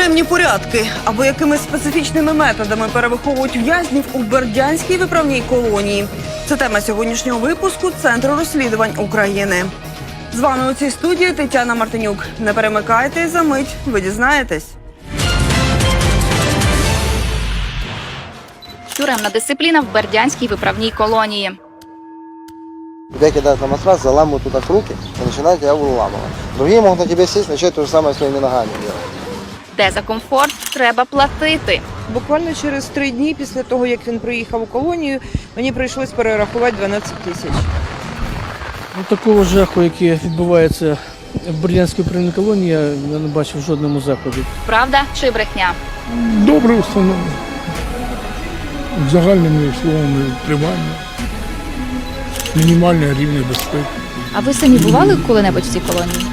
Тюремні порядки або якими специфічними методами перевиховують в'язнів у Бердянській виправній колонії. Це тема сьогоднішнього випуску Центру розслідувань України. З вами у цій студії Тетяна Мартинюк. Не перемикайте, за мить ви дізнаєтесь. Тюремна дисципліна в Бердянській виправній колонії. Тебя кидают на матрас, заламывают туда руки и начинают тебя выламывать. Другие могут на тебя сесть, начать то же самое своими ногами делать. Де за комфорт треба платити. Буквально через 3 дні після того, як він приїхав у колонію, мені прийшлось перерахувати 12 тисяч. Такого жаху, який відбувається в Бердянській виправній колонії, я не бачив в жодному заході. Правда чи брехня? Добре установлено. Загальними словами тримання. Мінімальний рівень безпеки. А ви самі бували коли-небудь в цій колонії?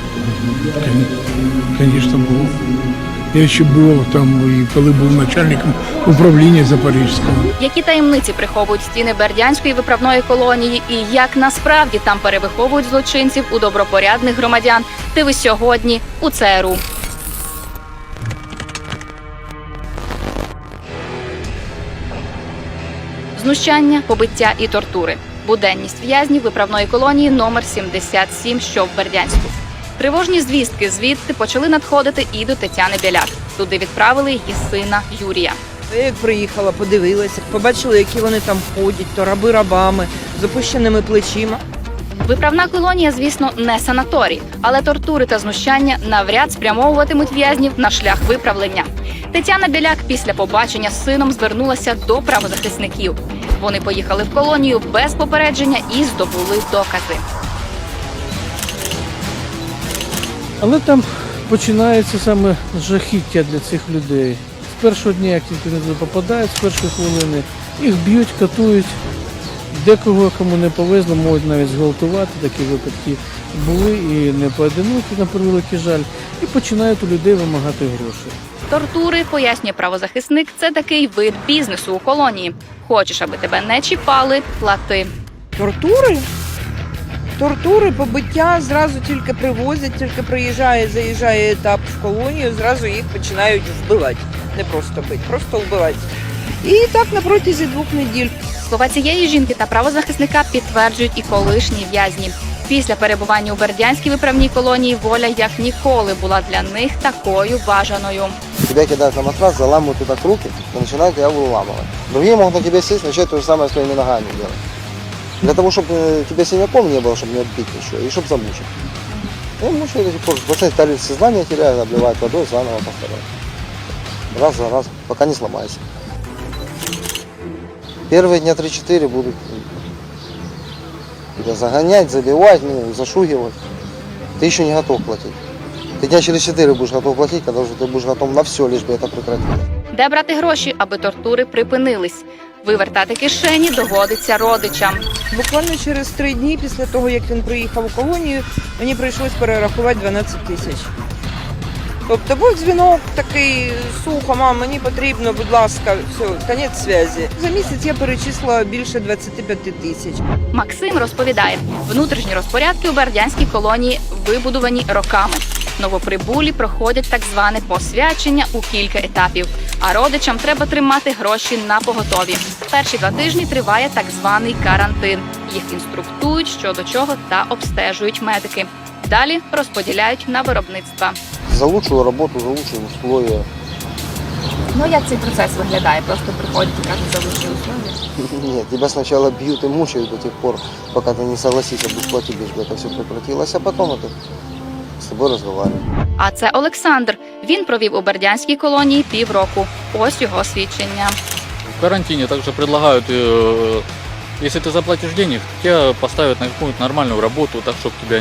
Звісно, було. Я ще був там, і коли був начальником управління Запорізького. Які таємниці приховують стіни Бердянської виправної колонії і як насправді там перевиховують злочинців у добропорядних громадян? Дивись сьогодні у ЦРУ. Знущання, побиття і тортури. Буденність в'язнів виправної колонії номер 77, що в Бердянську. Тривожні звістки звідти почали надходити і до Тетяни Біляк. Туди відправили її сина Юрія. Я як приїхала, подивилася, побачила, які вони там ходять, то раби рабами, з опущеними плечима. Виправна колонія, звісно, не санаторій, але тортури та знущання навряд спрямовуватимуть в'язнів на шлях виправлення. Тетяна Біляк після побачення з сином звернулася до правозахисників. Вони поїхали в колонію без попередження і здобули докази. Але там починається саме жахіття для цих людей. З першого дня, як тільки вони туди попадають, з першої хвилини їх б'ють, катують. Декого, кому не повезло, можуть навіть зґвалтувати. Такі випадки були і не поодинокі, на превеликий жаль. І починають у людей вимагати гроші. Тортури, пояснює правозахисник, це такий вид бізнесу у колонії. Хочеш, аби тебе не чіпали – плати. Тортури? Тортури, побиття зразу тільки привозять, тільки заїжджає етап в колонію, зразу їх починають вбивати. Не просто бити, просто вбивати. І так на протязі 2 неділь. Слова цієї жінки та правозахисника підтверджують і колишні в'язні. Після перебування у Бердянській виправній колонії воля як ніколи була для них такою бажаною. Тебя кидают на матрас, заламывают туда руки и начинают тебя выламывать. Другие могут на тебя сесть, начать то же самое своими ногами делать. Для того, чтобы тебе синяком не было, чтобы не отбить еще, и чтобы замучить. И мучают до сих пор. Пациент сознание теряет, обливают водой, заново повторяют. Раз за раз, пока не сломайся. Первые дня 3-4 будут тебя загонять, забивать, зашугивать. Ты еще не готов платить. Ты дня через 4 будешь готов платить, когда уже ты будешь готов на все, лишь бы это прекратить. Де брати гроші, аби тортури припинились? Вивертати кишені доводиться родичам. Буквально через 3 дні після того, як він приїхав у колонію, мені прийшлось перерахувати 12 тисяч. Тобто був дзвінок такий, сухо, мам, мені потрібно, будь ласка, все, кінець зв'язку. За місяць я перечислила більше 25 тисяч. Максим розповідає, внутрішні розпорядки у Бердянській колонії вибудовані роками. Новоприбулі проходять так зване посвячення у кілька етапів, а родичам треба тримати гроші на поготові. Перші 2 тижні триває так званий карантин. Їх інструктують, що до чого та обстежують медики. Далі розподіляють на виробництва. За лучшую работу, за лучшие условия. Ну, як цей процес виглядає? Просто приходять і кажуть за лучші условия? Нет, тебя сначала бьют и мучают до тех пор, пока ты не согласишься, будешь платить, лишь бы это все прекратилось, а потом это с тобой разговаривают. А це Олександр. Він провів у Бердянській колонії півроку. Ось його свідчення. В карантине также предлагают, если ты заплатишь денег, тебя поставят на какую-то нормальную работу, так чтобы тебя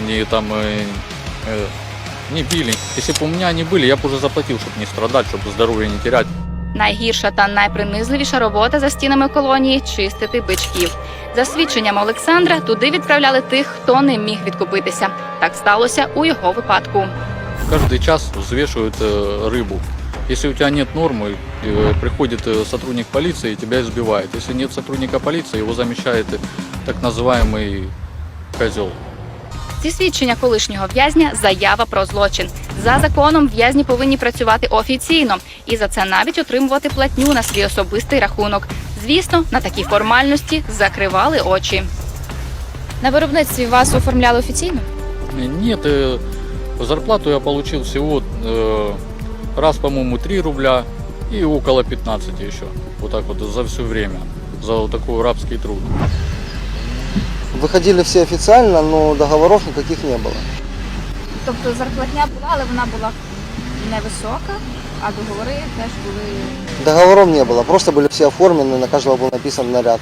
не били. Если бы у меня они были, я бы уже заплатил, чтобы не страдать, чтобы здоровье не терять. Найгірша та найпринизливіша робота за стінами колонії – чистити бичків. За свідченням Олександра, туди відправляли тих, хто не міг відкупитися. Так сталося у його випадку. Каждый час взвешивают рыбу. Если у тебя нет нормы, приходит сотрудник полиции и тебя избивает. Если нет сотрудника полиции, его замещает так называемый козел. Ці свідчення колишнього в'язня – заява про злочин. За законом в'язні повинні працювати офіційно і за це навіть отримувати платню на свій особистий рахунок. Звісно, на такі формальності закривали очі. На виробництві вас оформляли офіційно? Нет, зарплату я получил всего раз, по-моему, 3 рубля и около 15 еще. Вот так вот за все время, за вот такой рабский труд. Выходили все официально, но договоров никаких не было. Тобто зарплатня була, але вона була невисока, а договори теж були... Договоров не было, просто были все оформлены, на каждого был написан наряд.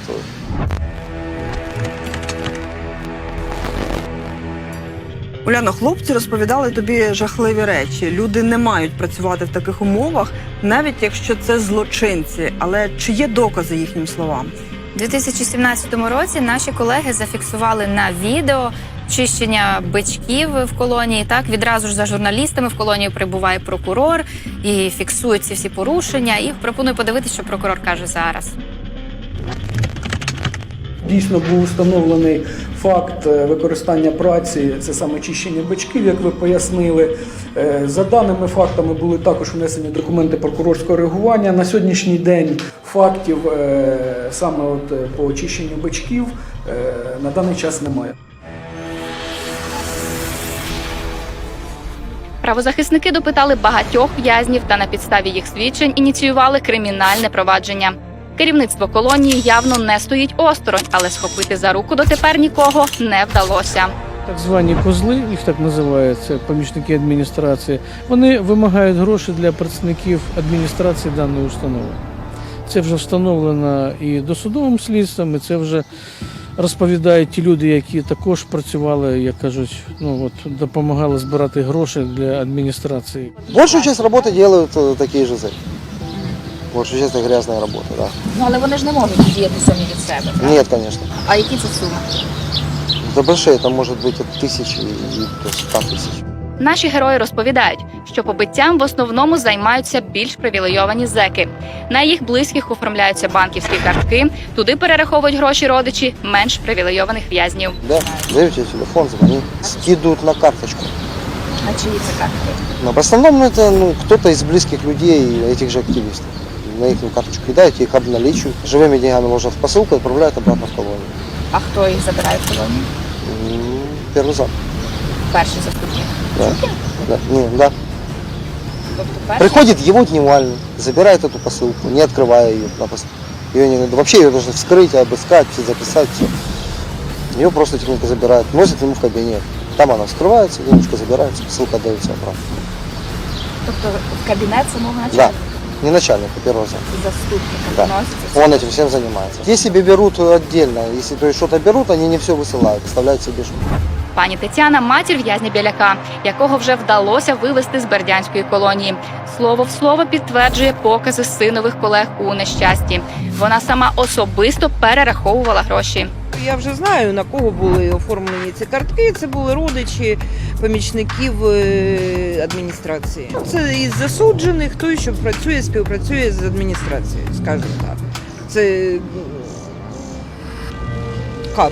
Уляно, хлопці розповідали тобі жахливі речі. Люди не мають працювати в таких умовах, навіть якщо це злочинці. Але чи є докази їхнім словам? У 2017 році наші колеги зафіксували на відео чищення бичків в колонії. Так, відразу ж за журналістами в колонію прибуває прокурор і фіксує ці всі порушення. І пропоную подивитися, що прокурор каже зараз. Дійсно був встановлений факт використання праці, це саме чищення бичків, як ви пояснили. За даними фактами були також внесені документи прокурорського реагування. На сьогоднішній день фактів саме по очищенню бичків на даний час немає. Правозахисники допитали багатьох в'язнів та на підставі їх свідчень ініціювали кримінальне провадження. Керівництво колонії явно не стоїть осторонь, але схопити за руку дотепер нікого не вдалося. Так звані козли, їх так називають, це помічники адміністрації, вони вимагають гроші для працівників адміністрації даної установи. Це вже встановлено і досудовим слідством, і це вже розповідають ті люди, які також працювали, як кажуть, допомагали збирати гроші для адміністрації. Большую часть работы делают такие же зэки. Большую часть это грязная работа, да. Ну, але вони ж не можуть діяти самі від себе. Нет, конечно. А які це суми? Это большие, это может быть от 1000 и до 100 тысяч. Наші герої розповідають, що побиттям в основному займаються більш привілейовані зеки. На їх близьких оформляються банківські картки, туди перераховують гроші родичі менш привілейованих в'язнів. Да, дают тебе телефон, звони, скидывают на карточку. На чиї це картки? Но в основном это кто-то из близких людей, этих же активистов. На их карточку кидают, их обналичивают. Живыми деньгами ложат в посылку и отправляют обратно в колонию. А хто їх забирає в колонію? Первый зам. Перший заступник. Да. Да. Да. Тобто перший? Приходит его дневальный, забирает эту посылку, не открывая ее. Ее не надо. Вообще ее должны вскрыть, обыскать, все записать, все. Ее просто тихонько забирают, носят ему в кабинет. Там она вскрывается, денежка забирается, посылка отдается обратно. Тобто в кабінет самого Да. начальника? Не начальник, а первого зам. Заступника Да. виноситься? Он этим всем занимается. Если себе берут отдельно, если то есть что-то берут, они не все высылают, оставляют себе что-то. Пані Тетяна – матір в'язня Біляка, якого вже вдалося вивезти з бердянської колонії. Слово в слово підтверджує покази синових колег у нещасті. Вона сама особисто перераховувала гроші. Я вже знаю, на кого були оформлені ці картки. Це були родичі помічників адміністрації. Це із засуджених, той, що працює, співпрацює з адміністрацією, скажімо так. Це кат.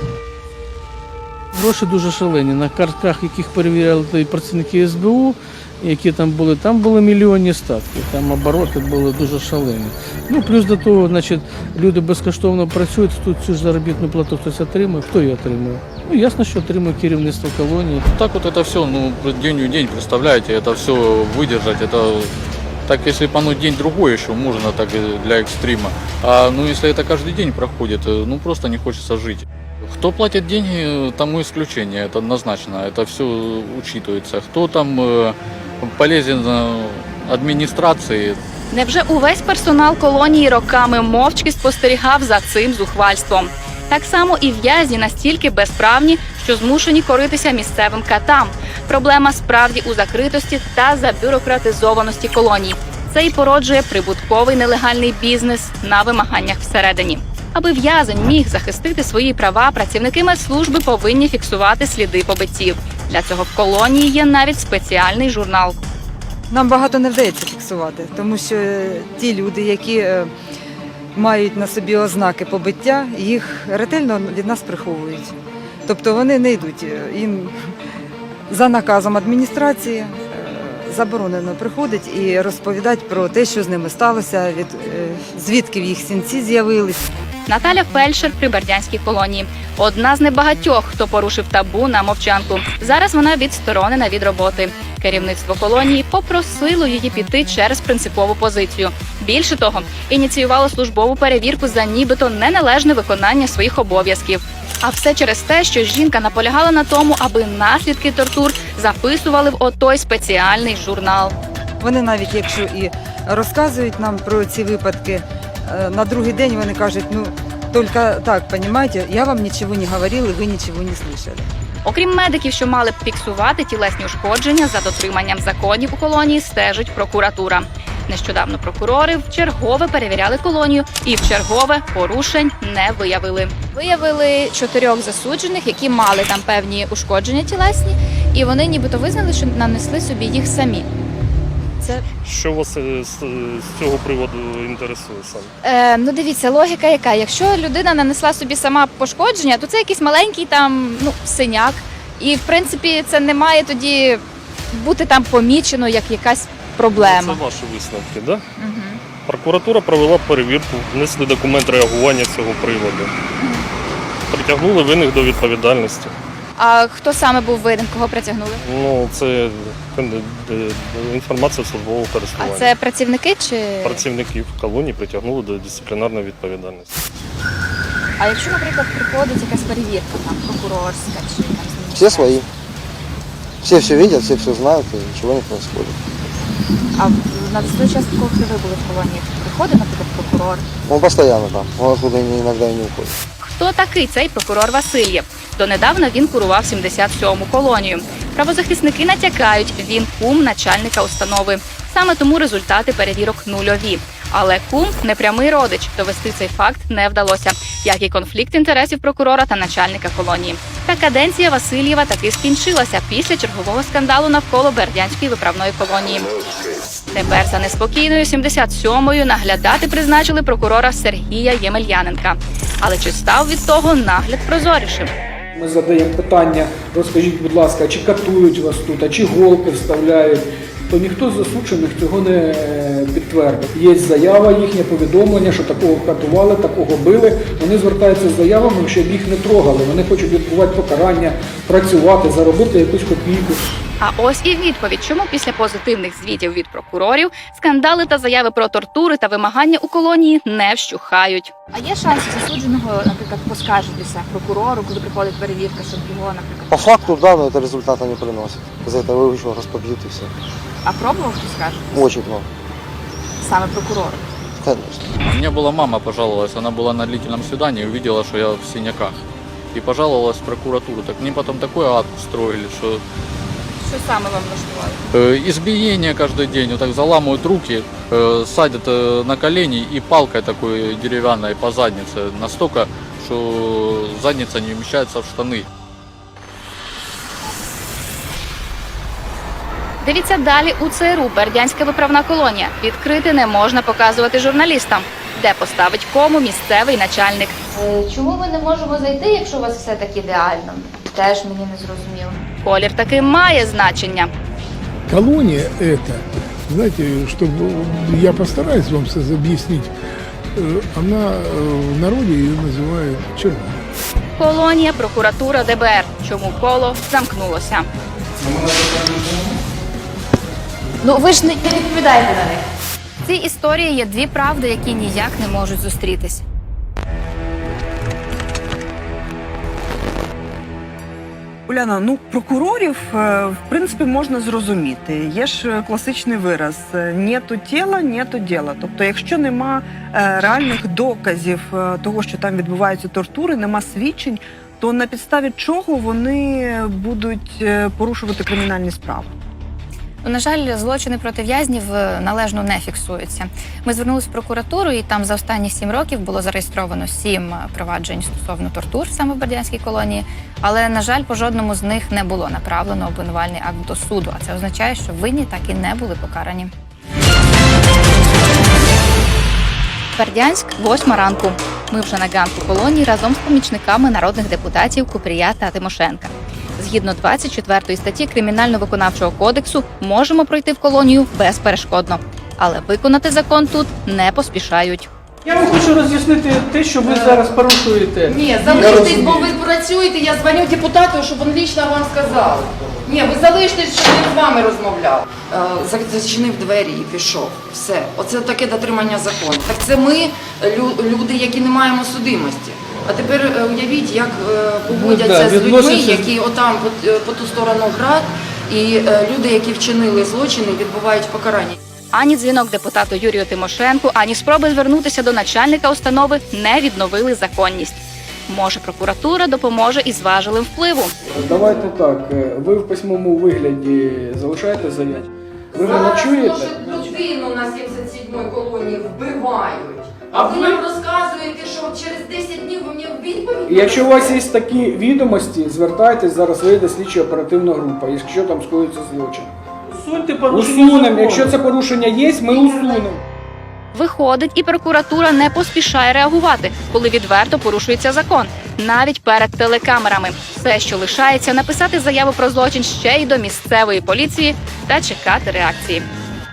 Гроші дуже шалені. На картках, яких перевіряли працівники СБУ, які там були мільйонні статки, там обороти були дуже шалені. Ну, плюс до того, значить, люди безкоштовно працюють, тут цю ж заробітну плату хтось отримує. Хто її отримує? Ну, ясно, що отримує керівництво колонії. Так вот это все, день в день, представляете, это все выдержать, это так, если бы оно день-другой еще, можно так для экстрима. А если это каждый день проходит, просто не хочется жить. Кто платит деньги, тому исключение, это однозначно, это все учитывается. Кто там полезен адміністрації. Невже увесь персонал колонії роками мовчки спостерігав за цим зухвальством? Так само і в'язні настільки безправні, що змушені коритися місцевим катам. Проблема справді у закритості та забюрократизованості колонії. Це і породжує прибутковий нелегальний бізнес на вимаганнях всередині. Аби в'язень міг захистити свої права, працівники медслужби повинні фіксувати сліди побиттів. Для цього в колонії є навіть спеціальний журнал. Нам багато не вдається фіксувати, тому що ті люди, які мають на собі ознаки побиття, їх ретельно від нас приховують. Тобто вони не йдуть. Їм за наказом адміністрації заборонено приходити і розповідати про те, що з ними сталося, звідки в їх синці з'явились. Наталя фельдшер при бердянській колонії. Одна з небагатьох, хто порушив табу на мовчанку. Зараз вона відсторонена від роботи. Керівництво колонії попросило її піти через принципову позицію. Більше того, ініціювало службову перевірку за нібито неналежне виконання своїх обов'язків. А все через те, що жінка наполягала на тому, аби наслідки тортур записували в отой спеціальний журнал. Вони навіть якщо і розказують нам про ці випадки, на другий день вони кажуть, ну, тільки так, розумієте, я вам нічого не говорила, ви нічого не слышали. Окрім медиків, що мали б фіксувати тілесні ушкодження, за дотриманням законів у колонії стежить прокуратура. Нещодавно прокурори вчергове перевіряли колонію і вчергове порушень не виявили. Виявили 4 засуджених, які мали там певні ушкодження тілесні, і вони нібито визнали, що нанесли собі їх самі. Що вас з цього приводу інтересує саме? Ну дивіться, логіка яка. Якщо людина нанесла собі сама пошкодження, то це якийсь маленький там синяк. І в принципі це не має тоді бути там помічено як якась проблема. Це ваші висновки, так? Да? Угу. Прокуратура провела перевірку, внесли документ реагування з цього приводу. Притягнули винних до відповідальності. А хто саме був винен, кого притягнули? Ну, це інформація службового користування. А це працівники чи Працівників колонії притягнули до дисциплінарної відповідальності. А якщо, наприклад, приходить якась перевірка, там прокурорська чи там Все свои. Все видят, все знают, и ничего не происходит. А на той час, коли ви були в колонії, приходить, наприклад, прокурор? Он постоянно там, он оттуда иногда и не уходит. Хто такий цей прокурор Васильєв? Донедавна він курував 77-му колонію. Правозахисники натякають, він кум начальника установи. Саме тому результати перевірок нульові. Але кум – непрямий родич, довести цей факт не вдалося, як і конфлікт інтересів прокурора та начальника колонії. Та каденція Васильєва таки скінчилася після чергового скандалу навколо Бердянської виправної колонії. Тепер за неспокійною 77-ю наглядати призначили прокурора Сергія Ємельяненка. Але чи став від того нагляд прозорішим? Ми задаємо питання, розкажіть, будь ласка, чи катують вас тут, а чи голки вставляють, то ніхто з засуджених цього не підтвердив. Є заява, їхнє повідомлення, що такого катували, такого били. Вони звертаються з заявами, щоб їх не трогали. Вони хочуть відбувати покарання, працювати, заробити якусь копійку. А ось і відповідь, чому після позитивних звітів від прокурорів скандали та заяви про тортури та вимагання у колонії не вщухають. А є шанс засудженого, наприклад, поскаржитися прокурору, коли приходить перевірка, щоб його, наприклад... По факту, да, но это результата не приносит. За это его еще распобьют и все. А пробував хтось скаржитися? Очень много. Саме прокурору? Конечно. У меня была мама, пожаловалась, она была на длительном свидании, увидела, что я в синяках. И пожаловалась в прокуратуру. Так мне потом такой ад устроили, что Що саме вам влаштували? избиение каждый день, вот так заламывают руки, садят на колени и палкой такой деревянной по заднице. Настолько, что задница не вмещается в штаны. Дивіться далі у ЦРУ «Бердянська виправна колонія». Відкрити не можна показувати журналістам. Де поставить кому місцевий начальник. Чому ми не можемо зайти, якщо у вас все так ідеально? Теж мені не зрозуміло. Колір таки має значення. Колония это, знаете, чтобы я постараюсь вам объяснить, она в народе ее называют черной. Колонія, прокуратура, ДБР. Чому коло замкнулося? Ну ви ж не відповідаєте на них. В цій історії є дві правди, які ніяк не можуть зустрітись. Уляна, ну прокурорів в принципі можна зрозуміти. Є ж класичний вираз «нету тіла, нету діла». Тобто, якщо нема реальних доказів того, що там відбуваються тортури, нема свідчень, то на підставі чого вони будуть порушувати кримінальні справи? На жаль, злочини проти в'язнів належно не фіксуються. Ми звернулися в прокуратуру, і там за останні 7 років було зареєстровано 7 проваджень стосовно тортур саме в Бердянській колонії. Але, на жаль, по жодному з них не було направлено обвинувальний акт до суду. А це означає, що винні так і не були покарані. Бердянськ, 8 ранку. Ми вже на ганку колонії разом з помічниками народних депутатів Купрія та Тимошенка. Згідно 24 статті Кримінально-виконавчого кодексу можемо пройти в колонію безперешкодно. Але виконати закон тут не поспішають. Я вам хочу роз'яснити те, що ви зараз порушуєте. Ні, залиштесь, бо ви працюєте, я дзвоню депутату, щоб він лично вам сказав. Ні, ви залиштесь, щоб він з вами розмовляв. Зачинив двері і пішов. Все. Оце таке дотримання закону. Так це ми, люди, які не маємо судимості. А тепер уявіть, як поводяться з людьми, які отам по ту сторону град, і люди, які вчинили злочини, відбувають покарання. Ані дзвінок депутату Юрію Тимошенку, ані спроби звернутися до начальника установи не відновили законність. Може, прокуратура допоможе із важелем впливу. Давайте так, ви в письмовому вигляді залишаєте заяву? Ви мене чуєте? Зараз людину на 77-й колонії вбивають. А ви нам розказуєте, що через 10 днів ви мені відповідь? І якщо у вас є такі відомості, звертайтесь, зараз вийде слідчо-оперативна група, якщо там скоїться злочин. Усуньте порушення Усунемо, закону. якщо це порушення є, ми усунемо. Виходить, і прокуратура не поспішає реагувати, коли відверто порушується закон. Навіть перед телекамерами. Все, що лишається, написати заяву про злочин ще й до місцевої поліції та чекати реакції.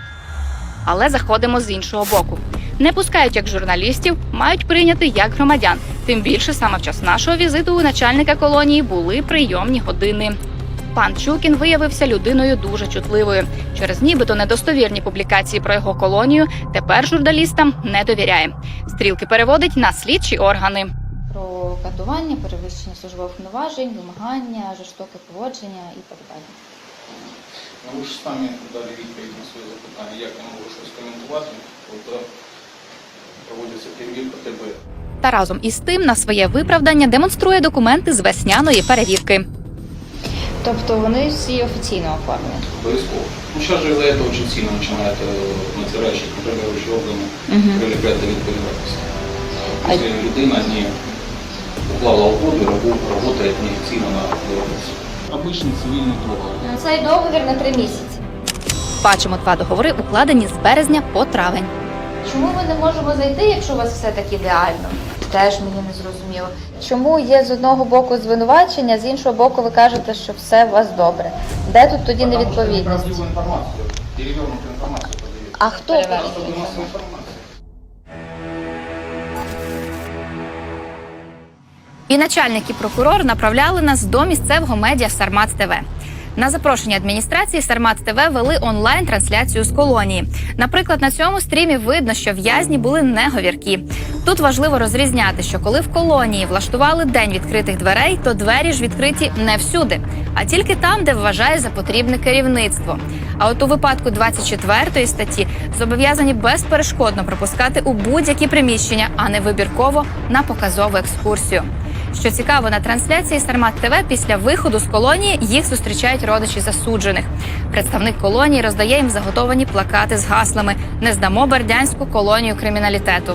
Але заходимо з іншого боку. Не пускають як журналістів, мають прийняти як громадян. Тим більше саме в час нашого візиту у начальника колонії були прийомні години. Пан Чукін виявився людиною дуже чутливою. Через нібито недостовірні публікації про його колонію тепер журналістам не довіряє. Стрілки переводить на слідчі органи. Про катування, перевищення службових повноважень, вимагання, жорстоке поводження і так далі. Ви ж самі дали відповідь на своє запитання, як я можу щось коментувати, коли проводиться перевірка ТБ. Та разом із тим на своє виправдання демонструє документи з весняної перевірки. Тобто вони всі офіційно оформлені? Обов'язково. Ну, зараз же из-за этого очень сильно начинает надзирающие контролирующие органы прилеплять до відповідальності. Якщо людина не уклала угоду і працює неофіційно на виробництві. Обичний цивільний договір. Цей договір на 3 місяці. Бачимо 2 договори, укладені з березня по травень. Чому ми не можемо зайти, якщо у вас все так ідеально? Теж мені не зрозуміло. Чому є з одного боку звинувачення, з іншого боку ви кажете, що все у вас добре? Де тут тоді невідповідність? Неправдиву інформацію, перевернуту інформацію подають. А хто перевірив? І начальник, і прокурор направляли нас до місцевого медіа Сармат ТВ. На запрошення адміністрації Сармат ТВ вели онлайн-трансляцію з колонії. Наприклад, на цьому стрімі видно, що в'язні були не говіркі. Тут важливо розрізняти, що коли в колонії влаштували день відкритих дверей, то двері ж відкриті не всюди, а тільки там, де вважає за потрібне керівництво. А от у випадку 24 статті зобов'язані безперешкодно пропускати у будь-які приміщення, а не вибірково на показову екскурсію. Що цікаво, на трансляції Сармат ТВ після виходу з колонії їх зустрічають родичі засуджених. Представник колонії роздає їм заготовані плакати з гаслами «Не здамо бердянську колонію криміналітету».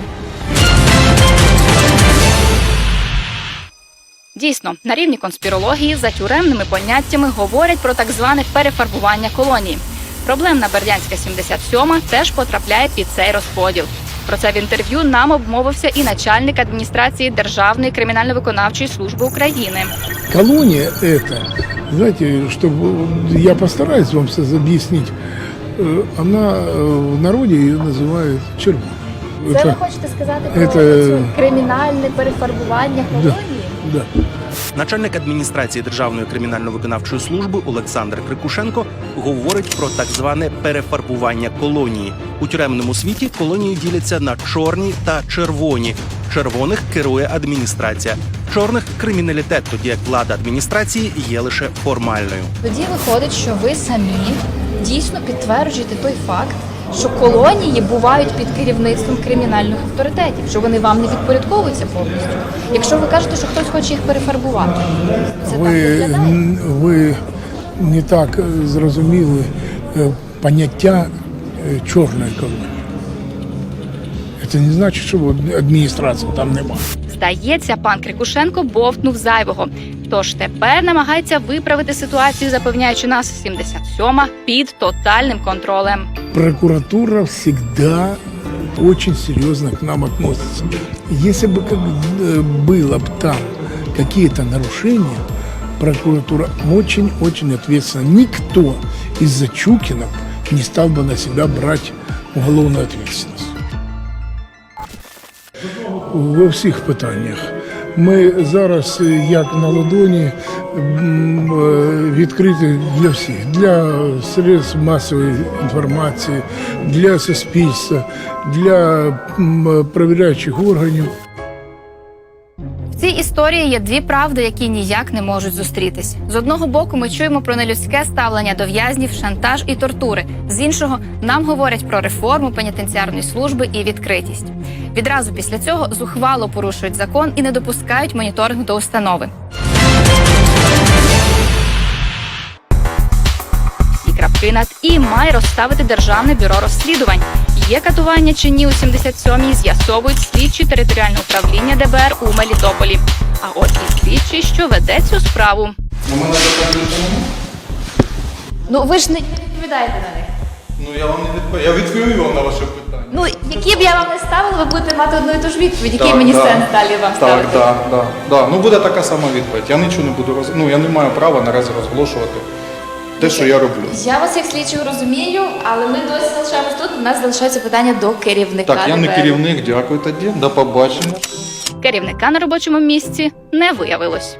Дійсно, на рівні конспірології за тюремними поняттями говорять про так зване перефарбування колонії. Проблемна Бердянська 77 теж потрапляє під цей розподіл. Про це в інтерв'ю нам обмовився і начальник адміністрації Державної кримінально-виконавчої служби України. Колония это, знаете, чтобы я постараюсь вам объяснить, она в народе ее называют тюрьма. Це ви хочете сказати про це кримінальне перефарбування колонії? Да. Начальник адміністрації Державної кримінально-виконавчої служби Олександр Крикушенко говорить про так зване перефарбування колонії. У тюремному світі колонії діляться на чорні та червоні. Червоних керує адміністрація, чорних – криміналітет, тоді як влада адміністрації є лише формальною. Тоді виходить, що ви самі дійсно підтверджуєте той факт, що колонії бувають під керівництвом кримінальних авторитетів, що вони вам не підпорядковуються повністю. Якщо ви кажете, що хтось хоче їх перефарбувати, це так виглядає? Ви не так зрозуміли поняття чорної колонії. Це не значить, що адміністрації там немає. Здається, пан Крикушенко бовтнув зайвого. Тож тепер намагається виправити ситуацію, запевняючи нас 77-ма під тотальним контролем. Прокуратура всегда очень серьезно к нам относятся. Если бы было бы там какие-то нарушения, прокуратура очень-очень ответственна. Никто из-за Чукина не стал бы на себя брать уголовную ответственность. Во всіх питаннях. Ми зараз, як на ладоні, відкриті для всіх, для средств масової інформації, для суспільства, для перевіряючих органів. В цій історії є дві правди, які ніяк не можуть зустрітись. З одного боку, ми чуємо про нелюдське ставлення до в'язнів, шантаж і тортури. З іншого, нам говорять про реформу пенітенціарної служби і відкритість. Відразу після цього зухвало порушують закон і не допускають моніторинг до установи. І крапки над «і» має розставити Державне бюро розслідувань. Є катування чи ні у 77-й, з'ясовують слідчі територіального управління ДБР у Мелітополі. А от і слідчий, що веде цю справу. Ну ви ж не відповідаєте на них. Ну я вам не відповім. Я відповім вам на ваше питання. Ну, які б я вам не ставила, ви будете мати одну і ту ж відповідь, який мені сенс далі вам ставити. Так. Ну буде така сама відповідь. Я нічого не буду я не маю права наразі розголошувати те, що я роблю. Я вас як слідчого розумію, але ми досі залишаємось тут. У нас залишається питання до керівника. Так, я не керівник, дякую тоді. До побачення. Керівника на робочому місці не виявилось.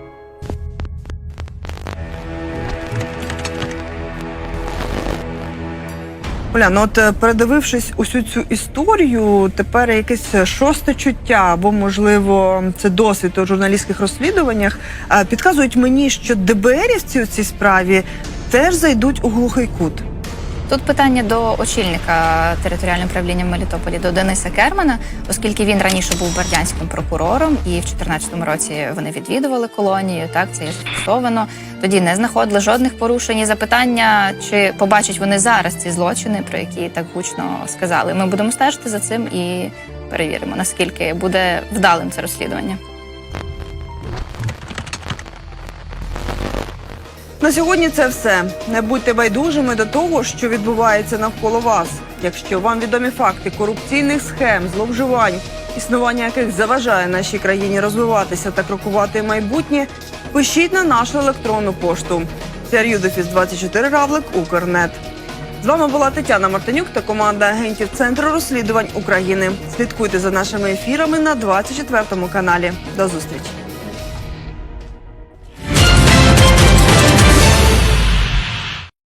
Оля, ну от передивившись усю цю історію, тепер якесь шосте чуття, або, можливо, це досвід у журналістських розслідуваннях, підказують мені, що ДБРівці у цій справі теж зайдуть у глухий кут. Тут питання до очільника територіального управління в Мелітополі, до Дениса Кермана, оскільки він раніше був бердянським прокурором, і в 2014 році вони відвідували колонію, так, це є зафіксовано. Тоді не знаходили жодних порушень. І запитання, чи побачать вони зараз ці злочини, про які так гучно сказали. Ми будемо стежити за цим і перевіримо, наскільки буде вдалим це розслідування. На сьогодні це все. Не будьте байдужими до того, що відбувається навколо вас. Якщо вам відомі факти корупційних схем, зловживань, існування яких заважає нашій країні розвиватися та крокувати в майбутнє, пишіть на нашу електронну пошту crudefis24@ukr.net. З вами була Тетяна Мартинюк та команда агентів Центру розслідувань України. Слідкуйте за нашими ефірами на 24 каналі. До зустрічі!